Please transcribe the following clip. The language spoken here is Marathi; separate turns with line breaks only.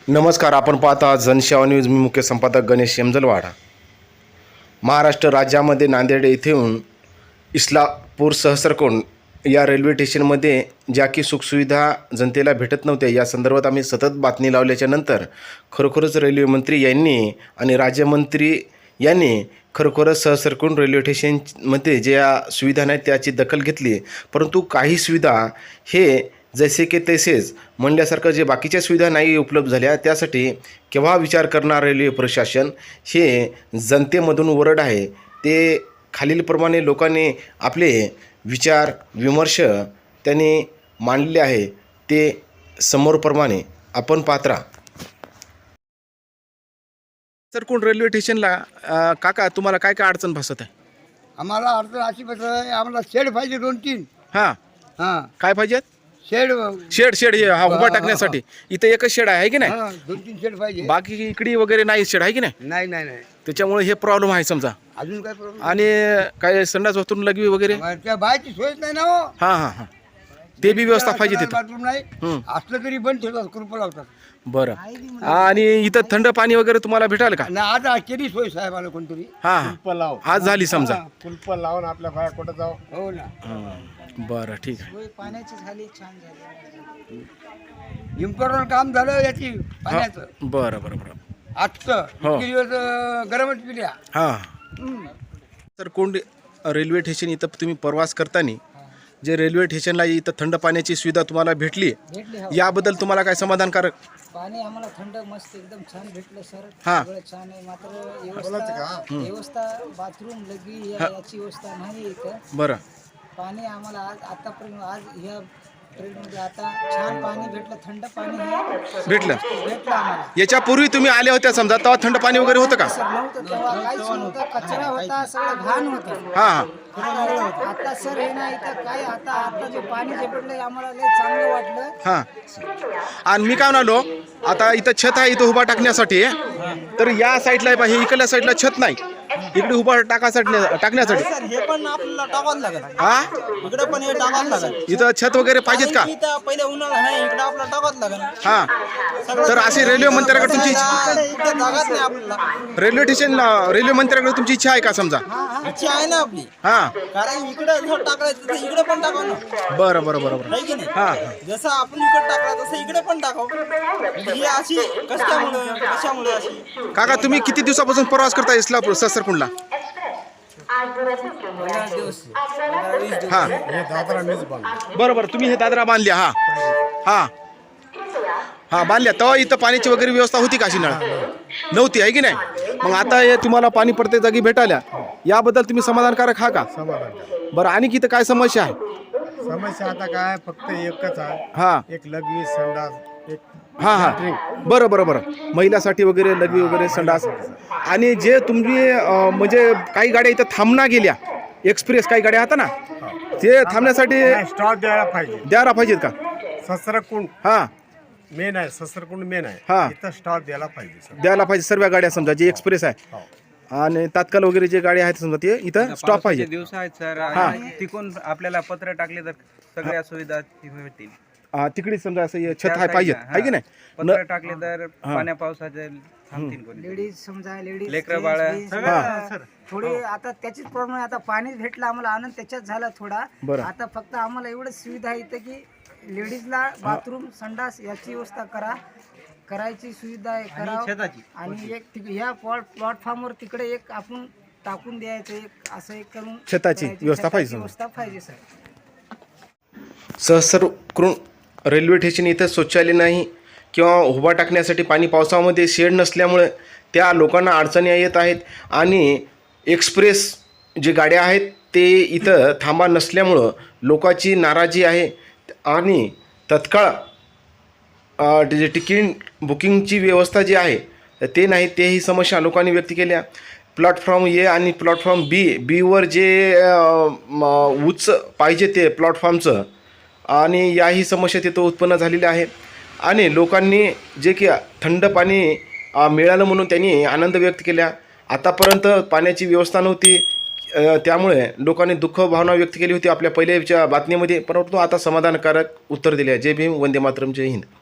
नमस्कार. आपण पाहता जनसेवा न्यूज. मी मुख्य संपादक गणेश यमजलवाडा. महाराष्ट्र राज्यामध्ये नांदेड येथून इस्लापूर सहस्रकुंड या रेल्वे स्टेशनमध्ये ज्या की सुखसुविधा जनतेला भेटत नव्हत्या, या संदर्भात आम्ही सतत बातमी लावल्याच्या नंतर खरोखरच रेल्वे मंत्री यांनी आणि राज्यमंत्री यांनी खरोखरच सहस्रकुंड रेल्वे स्टेशनमध्ये ज्या सुविधा नाहीत त्याची दखल घेतली. परंतु काही सुविधा हे जसे की तसेच म्हणल्यासारखं जे बाकीच्या सुविधा नाही उपलब्ध झाल्या, त्यासाठी केव्हा विचार करणार रेल्वे प्रशासन हे जनतेमधून वरड आहे. ते खालीलप्रमाणे लोकांनी आपले विचार विमर्श त्यांनी मांडले आहे. ते समोरप्रमाणे आपण पाहत राहा. सर, कोण रेल्वे स्टेशनला काका तुम्हाला काय काय अडचण भासत आहे?
आम्हाला अडचण अशी बस आहे, आम्हाला शेड पाहिजे 2-3.
हां, काय पाहिजेत?
शेड
शेड हे उभा टाकण्यासाठी इथं एकच शेड आहे की नाही?
2-3 शेड पाहिजे.
बाकी इकडे वगैरे नाही शेड आहे की नाही?
नाही नाही नाही
त्याच्यामुळे हे प्रॉब्लेम आहे समजा.
अजून काय प्रॉब्लेम?
आणि काय संडास बाथरूम लगवी वगैरे?
त्या बायची सोयच नाही ना हो.
हां हां हां, ते बी व्यवस्था पाहिजे तिथं.
बाथरूम नाही, असलं तरी बंद ठेवतात, कुलप लावतात.
बरं. आणि इथं थंड पाणी वगैरे तुम्हाला भेटाल का?
ना आज केली सोय साहेबाला कोणतरी.
हां, आज झाली समजा.
कुलप लावून आपल्या बाया कुठं जाऊ. हो ना.
बरं, ठीक आहे.
पाण्याची झाली, छान झाली. इम्पॉर्टंट काम झालं याची पाण्याचं.
बरं बरं बरं.
आजचं
हो.
इतके दिवस गरमच पिल्या.
हां. तर कोण रेल्वे स्टेशन इथं तुम्ही प्रवास करताना जे रेल्वे स्टेशनला इथं थंड पाण्याची सुविधा तुम्हाला भेटली, याबद्दल तुम्हाला काय समाधानकारक?
पाणी आम्हाला थंड मस्त एकदम छान भेटलं सर.
हां.
सगळं छान आहे. मात्र व्यवस्था बाथरूम लगी याची व्यवस्था नाही इथं.
बरं.
पाणी आम्हाला आतापर्यंत आज ह्या ट्रेनमध्ये आता छान पाणी भेटलं, थंड पाणी हे
भेटलं.
आम्हाला.
याच्यापूर्वी तुम्ही आले होत्या समजा, तेव्हा थंड पाणी वगैरे होतं का?
सर नव्हतं तेव्हा, काहीच नव्हतं. कचरा होता, सगळं घाण होतं.
हां.
आता सर हे ना इथं काय, आता जे पाणी जे भेटलं आम्हाला लय चांगलं वाटलं.
हां. आणि मी काय म्हणालो, आता इथं छत आहे इथं उभा टाकण्यासाठी, तर या साईडला पाहिजे, इकडल्या साईडला छत नाही, इकडे उभा टाकण्यासाठी.
सर हे पण आपल्याला टाकावं लागेल.
हा,
इकडे पण हे टाकावं लागेल.
इथं छत वगैरे पाहिजेत का?
इथं पहिले उन्हाळा आहे, इकडे आपल्याला टाकावं लागेल.
हा, तर अशी रेल्वे मंत्र्याकडे तुमची
इकडे जागाच नाही आपल्याला.
रेल्वे मंत्र्याकडे तुमची इच्छा आहे का समजा?
इच्छा आहे ना आपली.
हा,
कारण इकडे जर टाकायचं तर इकडे पण टाकावं ना.
बरं बरं बरं बरं.
आहे की नाही?
हा,
जसं आपण इकडे टाकला तसं इकडे पण टाकावं. ही अशी कशामुळे अशी?
काका तुम्ही किती दिवसापासून प्रवास करता इस्लापूर सहस्रकुंडला? हा, बरं बरं. तुम्ही हे दादरा बांधल्या? हा हा हा, बांधल्या. तेव्हा इथं पाण्याची वगैरे व्यवस्था होती का? अशी नळ नव्हती आहे की नाही? मग आता हे तुम्हाला पाणी प्रत्येक जागी भेटायला, याबद्दल तुम्ही समाधानकारक हा का? बरं. आणि इथं काय समस्या आहे?
समस्या आता काय, फक्त एकच आहे.
हा
एक लघवी संडास, एक
हां हां, बरं बरं बरं. महिलासाठी वगैरे लघवी वगैरे संडास. आणि जे तुम्ही म्हणजे काही गाड्या इथं थांबना गेल्या, एक्सप्रेस काही गाड्या आता ना, ते थांबण्यासाठी
स्टॉप
द्यायला पाहिजेत का?
सहस्रकुंड
हां,
मेन आहे, सहस्रकुंड मेन आहे.
हा.
इथं स्टॉप द्यायला पाहिजे सर.
द्यायला पाहिजे सर्व गाड्या समजा, जे एक्सप्रेस आहे आणि तात्काळ वगैरे जे गाड्या आहेत समजा, ते इथं स्टॉप पाहिजे.
दिवस आहेत सर.
हा.
आणि तिकून आपल्याला पत्र टाकले तर सगळ्या सुविधा भेटतील.
तिकडे समजा असं हे छत आहे पाहिजे आहे की नाही?
पत्र टाकले तर पाण्या पावसाचे थांबतील कोणी.
लेडीज समजा, लेडीज
लेकरं बाळं.
थोडी आता त्याचीच प्रॉब्लेम आहे. आता पाणीच भेटलं आम्हाला, आनंद त्याच्यात झाला थोडा.
बरं.
आता फक्त आम्हाला एवढंच सुविधा आहे इथं की लेडीजला बाथरूम संडास याची व्यवस्था करायची सुविधा आहे, करावं. आणि एक ह्या प्लॅटफॉर्मवर तिकडे एक आपण टाकून द्यायचं, एक असं एक करून
छताची
करायची.
व्यवस्था
छताची
पाहिजे.
व्यवस्था पाहिजे सर.
सहस्रकुंड रेल्वे स्टेशन इथं शौचालय नाही किंवा उभा टाकण्यासाठी पाणी, पावसामध्ये शेड नसल्यामुळे त्या लोकांना अडचणी येत आहेत. आणि एक्सप्रेस जे गाड्या आहेत ते इथं थांबा नसल्यामुळं लोकांची नाराजी आहे. आणि तत्काळ जे तिकीट बुकिंगची व्यवस्था जी आहे ते नाही, तेही समस्या लोकांनी व्यक्त केल्या. प्लॅटफॉर्म ए आणि प्लॅटफॉर्म बीवर जे उच्च पाहिजे ते प्लॅटफॉर्मचं, आणि याही समस्या तिथं उत्पन्न झालेल्या आहे. आणि लोकांनी जे की थंड पाणी मिळालं म्हणून त्यांनी आनंद व्यक्त केला. आतापर्यंत पाण्याची व्यवस्था नव्हती, त्यामुळे लोकांनी दुःख भावना व्यक्त केली होती आपल्या पहिल्याच्या बातमीमध्ये. परंतु आता समाधानकारक उत्तर दिले आहे. जय भीम, वंदे मातरम, जय हिंद.